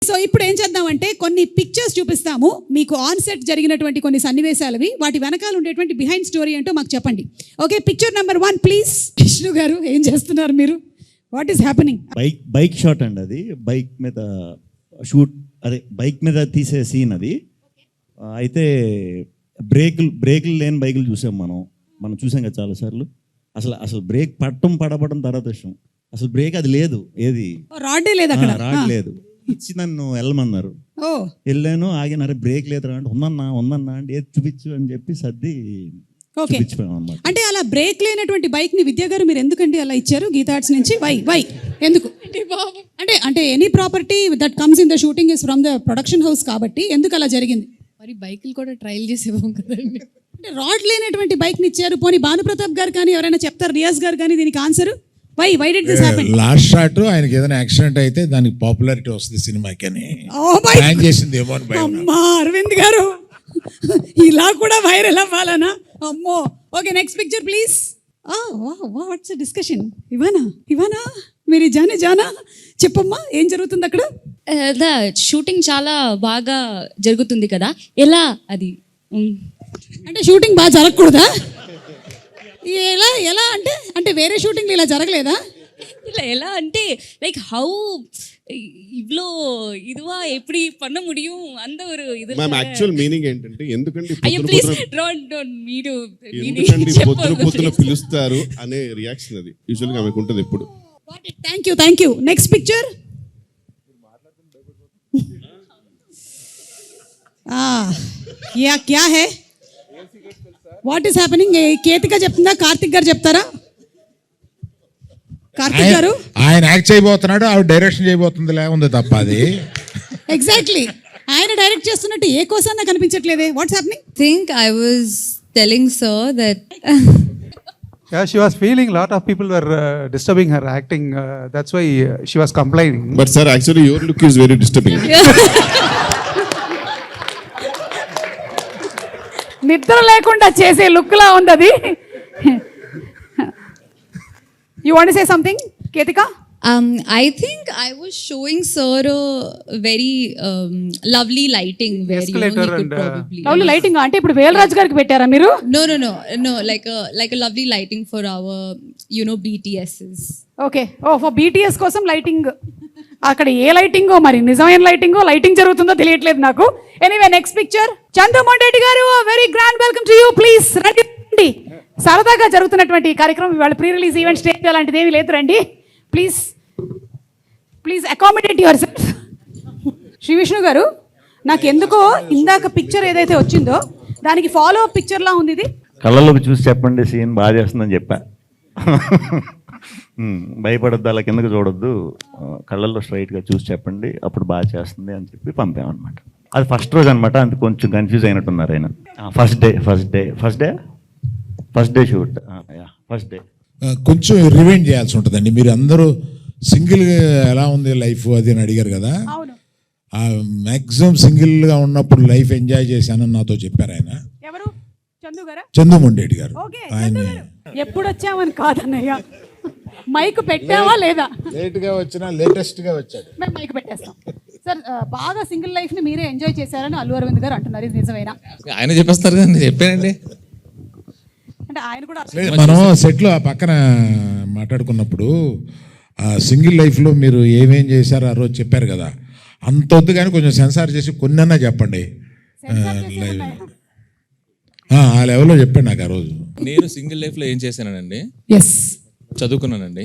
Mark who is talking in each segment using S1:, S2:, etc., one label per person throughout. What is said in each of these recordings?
S1: So ఇప్పుడు ఏం చేద్దామంటే కొన్ని పిక్చర్స్ చూపిస్తాము మీకు ఆన్ సెట్ జరిగినటువంటి కొన్ని సన్నివేశాలవి, వాటి వెనకాల ఉండేటువంటి బిహైండ్ స్టోరీ ఏంటో మాకు చెప్పండి. Okay, picture number 1 please. Vishnu గారు ఏం చేస్తున్నారు మీరు? What is happening?
S2: Bike shot అండి అది. బైక్ మీద షూట్, అదే బైక్ మీద తీసే సీన్ అది. అయితే బ్రేకులు లేని బైకులు చూసాం మనం చూసాం కదా చాలాసార్లు. అసలు బ్రేక్ పడబడడం తర్వాత విషయం. అసలు బ్రేక్ అది లేదు, ఏది
S1: రాడే లేదు అక్కడ,
S2: రాడ్ లేదు. ఇచ్చి నన్ను వెళ్ళమన్నారు, వెళ్ళాను, ఆగినారు. బ్రేక్ లేదురా అంటే ఉందన్నా అంటే ఏది చూపించు అని చెప్పి సర్ది చూపించిపోయాం అన్నమాట.
S1: అంటే అలా బ్రేక్ లేనటువంటి బైక్ ని విద్యా గారు మీరు ఎందుకండి అలా ఇచ్చారు గీతా ఆర్ట్స్ నుంచి? వై ఎందుకు అంటే any property that comes in the shooting is from the production house కాబట్టి ఎందుకు అలా జరిగింది?
S3: మరి బైకులు కూడా ట్రయల్ చేసేవాం కదండి.
S1: అంటే రాడ్ లేనటువంటి బైక్ ని ఇచ్చారు. పోనీ భానుప్రతాప్ గారు కానీ ఎవరైనా చెప్తారు, రియాజ్ గారు కానీ దీనికి answer? Why did this happen?
S4: Last shot ఆయనకి ఏదైనా యాక్సిడెంట్ అయితే దానికి పాపులారిటీ వస్తుంది సినిమాకి అని ప్లాన్ చేసింది ఏమో అని భయం.
S1: అమ్మా అరవింద్ గారు, ఇలా కూడా వైరల్ అవ్వాలనా? అమ్మో. Okay, next picture please. What's discussion? Ivana మీరు జానా చెప్పమ్మా, ఏం జరుగుతుంది అక్కడ?
S3: షూటింగ్ చాలా బాగా జరుగుతుంది కదా, ఎలా అది?
S1: అంటే షూటింగ్ బాగా జరగకూడదా? ఎలా అంటే వేరే షూటింగ్ ఇలా జరగలేదా?
S3: இல்லை ఎలా అంటే லைக் ஹவு இவ்ளோ இதுவா எப்படி பண்ண முடியும் அந்த ஒரு இது.
S5: మ్యామ్ యాక్చువల్ మీనింగ్ ఏంటంటే ఎందుకంటే పొద్దున పిలుస్తారు అనే రియాక్షన్ అది యూజువల్ గా ఆమెకు ఉంటుంది ఎప్పుడు.
S1: Thank you. Next picture. క్యా హై? What is happening? కేతిక చెప్తుందా, కార్తిక్ గారు చెప్తారా? కార్తిక్ గారు
S4: ఆయన యాక్ట్ చేయబోతున్నాడు, ఆవిడ డైరెక్షన్ చేయబోతుంది ఉంది తప్ప అది.
S1: ఎగ్జాక్ట్లీ, ఆయన డైరెక్ట్ చేస్తున్నట్టు ఏ కోసం నాకు కనిపించట్లేదే. What's happening?
S6: Think I was telling sir that
S7: yeah, she was feeling a lot of people were disturbing her acting. That's why she was complaining.
S5: But sir actually your look is very disturbing.
S1: నిద్ర లేకుండా చేసే look లా ఉంది అది. You want to say something, Ketika?
S6: I think I was showing sir a very lovely lighting where you know, he could probably
S1: lovely lighting అంటే ఇప్పుడు వేలరాజు గారికి పెట్టారా మీరు?
S6: no like a lovely lighting for our BTSs.
S1: Okay, for BTS కోసం lighting. అక్కడ ఏ లైటింగో, మరి నిజమైన లైటింగ్ జరుగుతుందో తెలియట్లేదు నాకు. Anyway, next picture. Chandu Mondeti గారు, very grand welcome to you. Please రండి. సరదాగా జరుగుతున్నటువంటి ఈ కార్యక్రమం ఇవాళ ప్రీ రిలీజ్ ఈవెంట్, స్టేజ్ అలాంటిది ఏమీ లేదు, రండి please accommodate yourself. Shri Vishnu గారు, నాకు ఎందుకో ఇందాక పిక్చర్ ఏదైతే వచ్చిందో దానికి ఫాలో అప్ పిక్చర్ లా ఉంది ఇది.
S2: కళ్ళలోకి చూసి చెప్పండి, సీన్ బాగా చేస్తుందని చెప్పా. భయపడద్దు, అలా కిందకి చూడొద్దు, కళ్ళల్లో స్ట్రైట్గా చూసి చెప్పండి, అప్పుడు బాగా చేస్తుంది అని చెప్పి పంపామన్నమాట. అది ఫస్ట్ రోజు అనమాట, అంత కొంచెం కన్ఫ్యూజ్ అయినట్టున్నారు ఆయన. First day shoot, first day
S4: కొంచెం రివైండ్ చేయాల్సి ఉంటుందండి. మీరు అందరూ సింగిల్గా ఎలా ఉంది లైఫ్ అది అని అడిగారు కదా. మ్యాక్సిమం సింగిల్గా ఉన్నప్పుడు లైఫ్ ఎంజాయ్ చేశానని నాతో చెప్పారు ఆయన.
S1: ఎవరు?
S4: చందు మొండేటి గారు. ఆయన
S1: ఎప్పుడు వచ్చామని కాదన్నయ్య, మైక్ పెట్టావా లేదా?
S4: లేట్గా వచ్చినా లేటెస్ట్గా వచ్చాడు.
S1: మేము మైక్ పెట్టేస్తాం సార్. బాగా సింగిల్ లైఫ్ ని మీరే ఎంజాయ్ చేశారని అల్లు అరవింద్ గారు అంటున్నారు, ఇది నిజమేనా?
S8: ఆయన చెప్పేస్తారు కదా, నేను చెప్పానండి.
S1: అంటే ఆయన కూడా
S4: మనం సెట్లో ఆ పక్కన మాట్లాడుకున్నప్పుడు సింగిల్ లైఫ్లో మీరు ఏమేం చేశారో ఆ రోజు చెప్పారు కదా, అంత వద్దు కానీ కొంచెం సెన్సార్ చేసి కొన్నన్నా చెప్పండి. ఆ లెవెల్లో చెప్పండి నాకు ఆ రోజు.
S8: నేను సింగిల్ లైఫ్లో ఏం చేశానండి? చదువుకున్నానండి.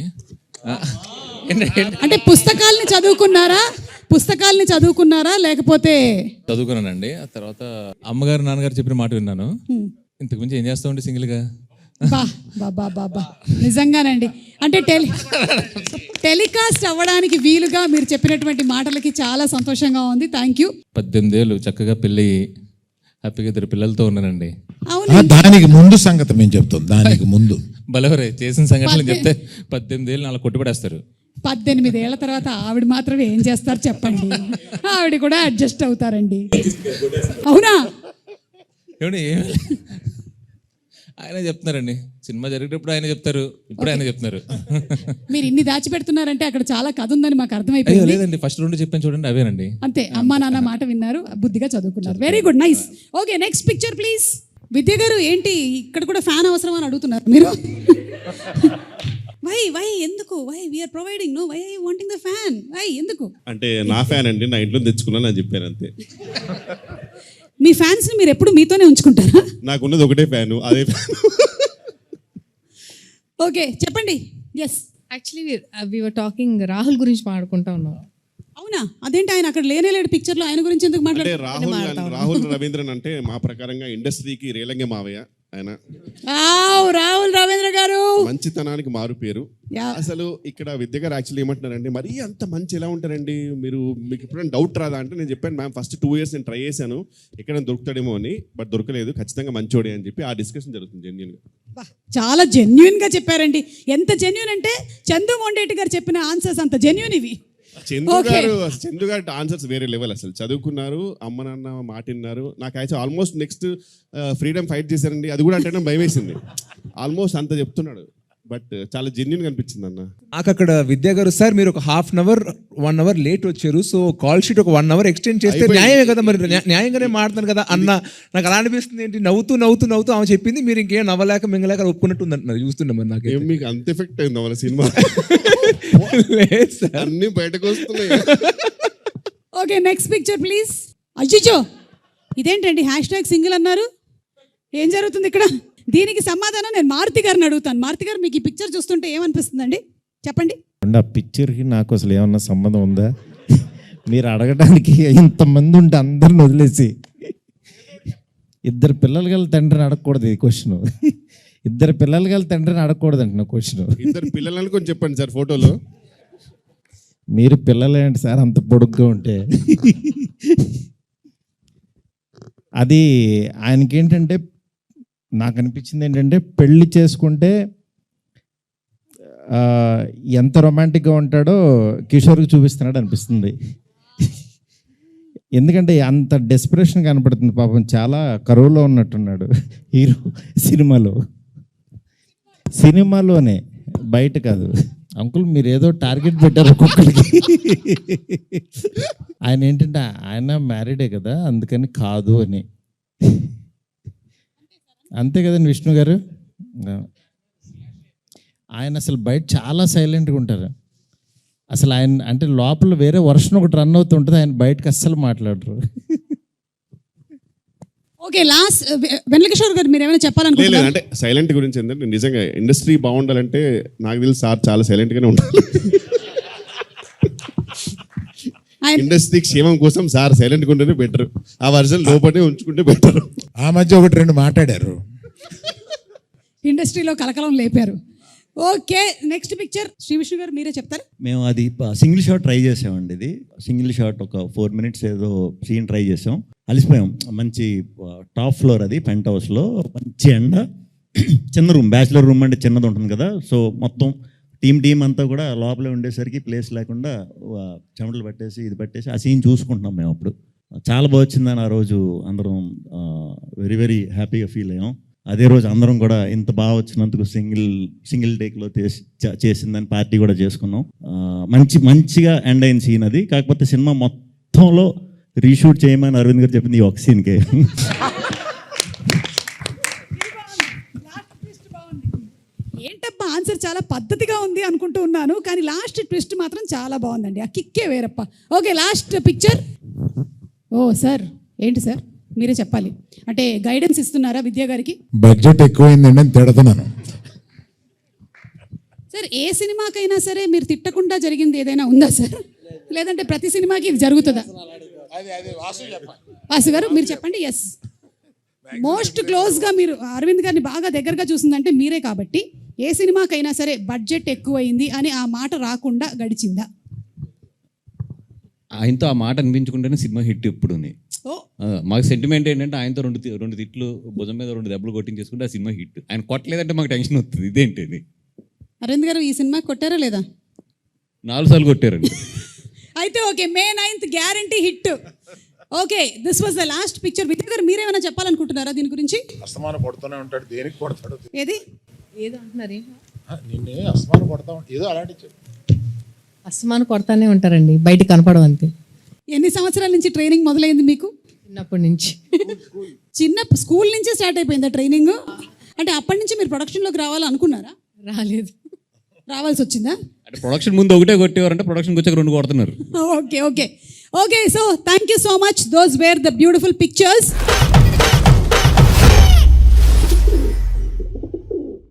S1: అంటే పుస్తకాలని చదువుకున్నారా లేకపోతే?
S8: చదువుకున్నానండి. ఆ తర్వాత అమ్మగారు నాన్నగారు చెప్పిన మాట విన్నాను. ఇంతకు మించి ఏం చేస్తామండి సింగిల్గా?
S1: బాబా నిజంగానండి. అంటే టెలికాస్ట్ అవ్వడానికి వీలుగా మీరు చెప్పినటువంటి మాటలకి చాలా సంతోషంగా ఉంది. Thank you.
S8: 18 ఏళ్ళు చక్కగా పెళ్ళి హ్యాపీగా 2 పిల్లలతో ఉన్నానండి.
S4: దానికి ముందు సంగతి మేము చెప్తాం. దానికి ముందు
S8: బలవరే చేసిన సంఘటనలు చెప్తే 18 ఏళ్ళు నాలుగు కొట్టుబడేస్తారు.
S1: 18 ఏళ్ల తర్వాత ఆవిడ మాత్రమే ఏం చేస్తారు చెప్పండి? ఆవిడ కూడా అడ్జస్ట్ అవుతారండి. అవునా?
S8: ఆయన చెప్తున్నారండి, సినిమా జరిగేటప్పుడు ఆయన చెప్తారు, ఇప్పుడు ఆయన చెప్తున్నారు.
S1: మీరు ఇన్ని దాచిపెడుతున్నారంటే అక్కడ చాలా కథ ఉందని మాకు
S8: అయ్యో
S1: అర్థమైపోయింది.
S8: లేదండి, ఫస్ట్ 2 చెప్పాను చూడండి, అవేనండి.
S1: అంతే, అమ్మా నాన్న మాట విన్నారు, బుద్ధిగా చదువుకున్నారు. Very good, nice. Okay, next picture please. Vidya గారు ఏంటి ఇక్కడ కూడా ఫ్యాన్ అవసరం అని అడుగుతున్నారు మీరు? వై ఎందుకు? Why we are providing, no why I wanting the fan, why ఎందుకు?
S5: అంటే నా ఫ్యాన్ అండి, నా ఇంట్లో తెచ్చుకున్నాను అని చెప్పాను అంతే.
S1: మీ ఫ్యాన్స్ ని మీరు ఎప్పుడు మీతోనే ఉంచుకుంటారా?
S5: నాకున్నది ఒకటే ఫ్యాను, అదే ఫ్యాన్.
S1: ఓకే, చెప్పండి. Yes,
S9: actually we were talking Rahul గురించి మాట్లాడుకుంటా ఉన్నాం.
S1: అవునా? అదేంటి ఆయన అక్కడ లేనేలేడు పిక్చర్ లో, ఆయన గురించి ఎందుకు
S5: అంటే
S1: మాట్లాడారు?
S5: రాహుల్ రవీంద్రన్ అంటే మా ప్రకారంగా ఇండస్ట్రీకి రేలంగే మావయ్య ఆయన.
S1: రాహుల్ రవీంద్ర గారు
S5: మంచితనానికి మారు పేరు.
S1: Yeah.
S5: అసలు ఇక్కడ విద్య గారు యాక్చువల్లీ ఏమంటున్నారండి, మరీ అంత మంచి ఎలా ఉంటారండి మీరు, మీకు ఎప్పుడైనా డౌట్ రాదా అంటే, నేను చెప్పాను మ్యామ్ ఫస్ట్ 2 years నేను ట్రై చేశాను ఎక్కడ దొరుకుతాడేమో అని, బట్ దొరకలేదు, ఖచ్చితంగా మంచోడే అని చెప్పి ఆ డిస్కషన్ జరుగుతుంది జెన్యున్గా.
S1: చాలా జెన్యున్ గా చెప్పారండి. ఎంత జెన్యున్ అంటే చందు మొండేటి గారు చెప్పిన ఆన్సర్స్ అంత జెన్యున్ ఇవి.
S5: చందు గారు ఆన్సర్స్ వేరే లెవెల్. అసలు చదువుకున్నారు, అమ్మ నాన్న మాట విన్నారు. నాకు actual almost next freedom fight చేశారండి, అది కూడా అంటే భయం వేసింది. ఆల్మోస్ట్ అంత చెప్తున్నాడు, బట్ చాలా జెన్యున్ గా అనిపించింది అన్న.
S10: నాకు అక్కడ విద్యా గారు, సార్ మీరు ఒక 1/2 hour 1 hour లేట్ వచ్చారు, సో కాల్ షీట్ ఒక 1 hour ఎక్స్టెండ్ చేస్తే న్యాయమే కదా, మరి న్యాయంగానే మాట్లాడతాను కదా అన్న. నాకు అలా అనిపిస్తుంది, ఏంటి నవ్వుతూ ఆమె చెప్పింది, మీరు ఇంకేం నవ్వలేక మింగలేక ఒప్పుకున్నట్టు ఉందంటున్నారు. చూస్తున్నాం మరి నాకు
S5: మీకు అంత ఎఫెక్ట్ అయింది మన సినిమా,
S10: లేదు సార్,
S5: అన్ని బయటకు వస్తున్నాయి.
S1: Okay, next picture please. అయ్యో, ఇదేంటండి #సింగిల్ అన్నారు? ఏం జరుగుతుంది ఇక్కడ? దీనికి సమాధానం నేను మారుతి గారిని అడుగుతాను. మారుతి గారు, మీకు ఈ పిక్చర్ చూస్తుంటే ఏమనిపిస్తుందండి? చెప్పండి.
S11: ఆ పిక్చర్కి నాకు అసలు ఏమన్నా సంబంధం ఉందా? మీరు అడగడానికి ఇంతమంది ఉంటే అందరిని వదిలేసి 2 పిల్లలు గల తండ్రిని అడగకూడదు ఈ క్వశ్చన్. 2 పిల్లలు గల తండ్రిని అడగకూడదు అంటున్నా క్వశ్చన్.
S5: 2 పిల్లలు అనుకొని చెప్పండి సార్ ఫోటోలో.
S11: మీరు పిల్లలు ఏంటి సార్ అంత పొడుగ్గా ఉంటే? అది ఆయనకేంటంటే, నాకు అనిపించింది ఏంటంటే, పెళ్లి చేసుకుంటే ఎంత రొమాంటిక్గా ఉంటాడో కిషోర్కి చూపిస్తున్నాడు అనిపిస్తుంది. ఎందుకంటే అంత డెస్పిరేషన్ కనపడుతుంది. పాపం చాలా కరువులో ఉన్నట్టున్నాడు హీరో సినిమాలోనే, బయట కాదు. అంకుల్ మీరు ఏదో టార్గెట్ పెట్టారు ఒక్కొక్కరికి. ఆయన ఏంటంటే ఆయన మ్యారీడే కదా, అందుకని కాదు అని. అంతే కదండి విష్ణు గారు? ఆయన అసలు బయట చాలా సైలెంట్గా ఉంటారు. అసలు ఆయన అంటే లోపల వేరే వర్షన్ ఒకటి రన్ అవుతుంటుంది, ఆయన బయటకు అస్సలు మాట్లాడరు.
S1: ఓకే, లాస్ట్ వెంకటేశ్వర గారు మీరు ఏమైనా చెప్పాలనుకుంటున్నారా?
S5: అంటే సైలెంట్ గురించి ఏంటంటే, నిజంగా ఇండస్ట్రీ బాగుండాలంటే నాకు తెలిసి సార్ చాలా సైలెంట్ గానే ఉండాలి. ఇండస్ట్రీ క్షేమం కోసం సార్ సైలెంట్గా ఉంటేనే బెటర్. ఆ వర్జన్ లోపలనే ఉంచుకుంటే బెటర్.
S4: ఆ మధ్య 1-2 మాట్లాడారు,
S1: ఇండస్ట్రీలో కలకలం లేపారు. Okay, next picture Shri Vishnu గారు మీరే చెప్తారు.
S2: మేము అది సింగిల్ షాట్ ట్రై చేసామండి. ఇది సింగిల్ షాట్ ఒక 4 minutes ఏదో సీన్ ట్రై చేసాం, అలిసిపోయాం. మంచి టాప్ ఫ్లోర్, అది పెంట్ హౌస్లో, మంచి ఎండ, చిన్న రూమ్, బ్యాచిలర్ రూమ్ అంటే చిన్నది ఉంటుంది కదా. సో మొత్తం టీం అంతా కూడా లోపలే ఉండేసరికి ప్లేస్ లేకుండా చెమటలు పట్టేసి ఇది పట్టేసి ఆ సీన్ చూసుకుంటున్నాం మేము. అప్పుడు చాలా బాగా వచ్చిందని ఆ రోజు అందరం వెరీ వెరీ హ్యాపీగా ఫీల్ అయ్యాం. అదే రోజు అందరం కూడా ఇంత బాగా వచ్చినందుకు సింగిల్ టేక్లో చేసిందని పార్టీ కూడా చేసుకున్నాం. మంచిగా ఎండ్ అయిన సీన్ అది. కాకపోతే సినిమా మొత్తంలో రీషూట్ చేయమని అరవింద్ గారు చెప్పింది ఈ ఒక సీన్కే.
S1: ఏంటప్పా ఆన్సర్ చాలా పద్ధతిగా ఉంది అనుకుంటూ ఉన్నాను, కానీ లాస్ట్ ట్విస్ట్ మాత్రం చాలా బాగుందండి. ఆ కిక్కే వేరప్ప. Okay, last picture. Oh sir, ఏంటి సార్ మీరే చెప్పాలి. అంటే గైడెన్స్ ఇస్తున్నారా విద్యా గారికి?
S4: బడ్జెట్ ఎక్కువైందండి అని తిడుతున్నాను.
S1: సార్, ఏ సినిమాకైనా సరే మీరు తిట్టకుండా జరిగింది ఏదైనా ఉందా సార్? లేదంటే ప్రతి సినిమాకి ఇది జరుగుతుందా? వాసు గారు మీరు చెప్పండి. ఎస్, మోస్ట్ క్లోజ్గా మీరు అరవింద్ గారిని బాగా దగ్గరగా చూసిందంటే మీరే కాబట్టి, ఏ సినిమాకైనా సరే బడ్జెట్ ఎక్కువైంది అని ఆ మాట రాకుండా గడిచిందా?
S12: ఆయనతో ఆ మాట అనిపించుకుంటేనే సినిమా హిట్ ఎప్పుడు ఉంది. మాకు సెంటిమెంట్ ఏంటంటే ఆయనతో రెండు తిట్లు భుజం మీద 2 దెబ్బలు కొట్టించేసుకుంటే ఆ సినిమా హిట్. ఆయన కొట్టలేదంటే మాకు టెన్షన్ వస్తుంది. ఇదేంటి ఇది?
S1: అరవింద్ గారు ఈ సినిమా కొట్టారా లేదా?
S12: 4 సార్లు కొట్టారండి.
S1: అయితే okay, May 9th guarantee hit. Okay, this was the last picture. Vijay గారు మీరేమైనా చెప్పాలనుకుంటున్నారా దీని గురించి?
S4: అస్తమానం కొడుతూనే ఉంటాడు, దేనికి కొడతాడు?
S1: ఏది
S9: ఏదో అంటున్నారు
S4: నిన్నే అస్తమానం కొడతా ఏదో అలాంటి
S9: అస్తమానం కొడతానే ఉంటారండి, బయట కనపడం అంతే.
S1: ఎన్ని సంవత్సరాల నుంచి ట్రైనింగ్ మొదలైంది మీకు?
S9: చిన్నప్పటి నుంచి.
S1: చిన్న స్కూల్ నుంచే స్టార్ట్ అయిపోయిందా ట్రైనింగ్? అంటే అప్పటి నుంచి మీరు ప్రొడక్షన్లోకి రావాలనుకున్నారా?
S9: రాలేదు.
S1: రావాల్సి వచ్చిందా?
S12: అంటే ప్రొడక్షన్ ముందు ఒకటే కొట్టేవారంటే ప్రొడక్షన్కి వచ్చాక 2 కొడుతున్నారు.
S1: Okay okay okay, so thank you so much. Those were the beautiful pictures.